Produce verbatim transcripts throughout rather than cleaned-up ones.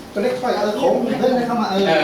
ตัวเล็กไปเออโค้งเดินเข้ามาเออ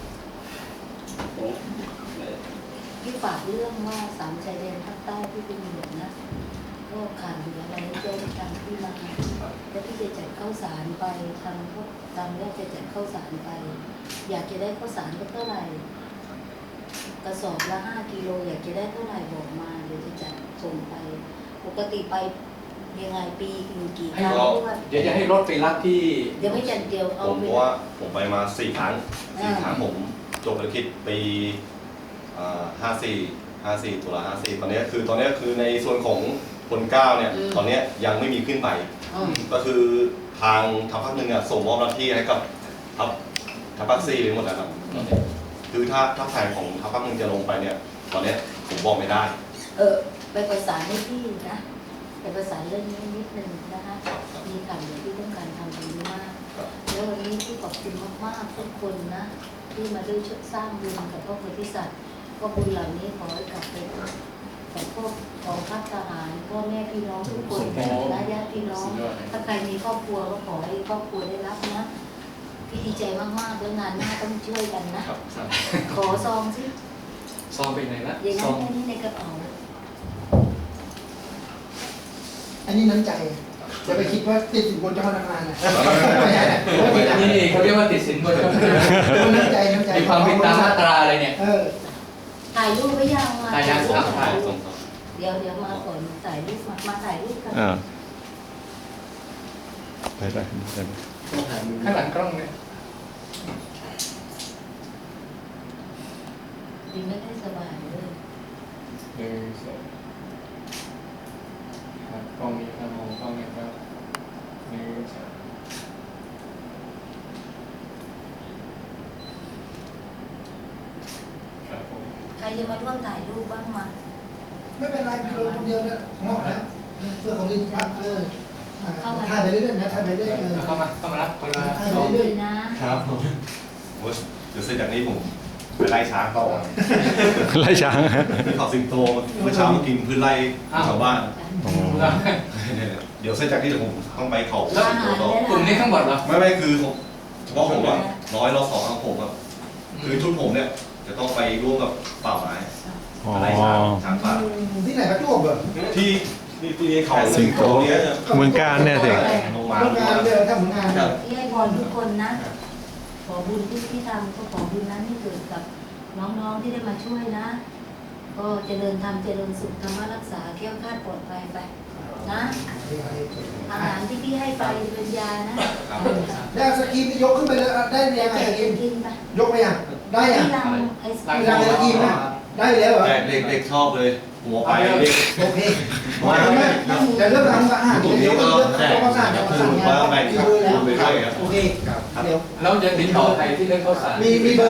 ที่ฝากเรื่องว่าสามชายแดนภาคใต้ที่เป็นหลวงนะก็ขาดเหลืออะไรแจ้งทางที่มาแล้วที่จะจัดข้าวสารไปทางพวกทางแรกจะจัดข้าวสารไปอยากจะได้ข้าวสารก็เท่าไหร่กระสอบละห้ากิโลอยากจะได้เท่าไหร่บอกมาเดี๋ยวจะจัดส่งไปปกติไปยังไงปีกี่ครั้งด้วยเดี๋ยวจะให้รถไปรับที่เดี๋ยวไม่จัดเดียวเอาผมเพราะว่าผมไปมาสี่ครั้งสี่ครั้งผมจบธุรกิจปีห้าสี่ห้าสี่ตุลาห้าสี่ตอนนี้คือตอนนี้คือในส่วนของคนเก้าเนี่ยตอนนี้ยังไม่มีขึ้นไปก็คือทางทัพภาคหนึ่งส่งมอบหน้าที่ให้กับทัพทัพภาคสี่ไปหมดแล้วครับคือถ้าถ้าแผนของทัพภาคหนึ่งจะลงไปเนี่ยตอนนี้ผมบอกไม่ได้เออไปประสานให้พี่นะไปประสานเรื่องนี้นิดนึงนะคะมีข่าวเดี๋ยวที่ต้องการทำตรงนี้มากแล้ววันนี้ที่ขอบคุณมากๆทุกคนนะที่มาด้วยช่วยสร้างบุญกับพระโพธิสัตว์ก็บุญเหล่านี้ขอให้กลับไปกับพวกกองทัพทหารพ่อแม่พี่น้องทุกคนและญาติพี่น้องถ้าใครมีครอบครัวก็ขอให้ครอบครัวได้รับนะพี่ดีใจมากๆแล้วงานหน้าต้องช่วยกันนะขอซองสิซองเป็นไงละอย่างนั้นแค่นี้ในกระเป๋าอันนี้น้ำใจจะไปคิดว่าติดสินบนเจ้าพนักงานนะนี่เขาเรียกว่าติดสินบนเจ้าพนักงานน้ำใจน้ำใจมีความผิดตามมาตราอะไรเนี่ยถ่ายรูปไว้ยังมาถ่ายยังครับถ่ายเดี๋ยวเดี๋ยวมาก่อนถ่ายรูปมามาถ่ายรูปกันได้ได้ได้ข้างหลังกล้องเนี่ยดีไม่ได้สบายเลยหนึ่งสองครับกล้องนี้ครับมองกล้องนี้ครับหนึ่งสองครับผมใครจะมาร่วมถ่ายรูปบ้างมาไม่เป็นไรพี่ลงคนเดียวเนี่ยเหมาะแล้วเพื่อของลินครับเออถ่ายไปเรื่อยๆนะถ่ายไปเรื่อยๆเข้ามาเข้ามารับคนละถ่ายไปเรื่อยๆนะครับผมเดี๋ยวเสร็จจากนี้ผมไปไล่ช้างต่อไล่ช้างไปขอสิงโตเมื่อเช้ามากินพื้นไร่ชาวบ้านเดี๋ยวเสร็จจากที่เดี๋ยวผมต้องไปเขาสิงโตต่อกลุ่มนี้ทั้งหมดเหรอไม่ไม่คือเฉพาะผมว่าน้อยเราสองของผมอ่ะคือชุดผมเนี่ยจะต้องไปร่วมกับป่าไม้ไล่ช้างช้างป่าที่ไหนประจวบเหรอที่ที่ที่เขาสิงโตเนี่ยเมืองการเนี่ยสิโรงงานเดียวทำงานที่ให้พรทุกคนนะขอบุญที่ที่ทำก็ขอบุญนั้นให้เกิดกับน้องๆที่ได้มาช่วยนะก็เจริญธรรมเจริญสุขธรรมรักษาแก้วคาดปลอดภัยไปนะอาหารที่พี่ให้ไปเป็นยานะได้สกียกขึ้นไปเลยได้ยังไงสกียกไปยังได้ยังรังไอศกรีมรังไอศกรีมนะได้แล้วเหรอเด็กเด็กชอบเลยหัวไปเด็กโอเคมาแต่เรื่องทำอาหารเดี๋ยวเรื่องต้องประสานประสานงานไปด้วยแล้วโอเคเดี๋ยวเราจะติดต่อใครที่เรื่องข้าวสารมีมีเบอร์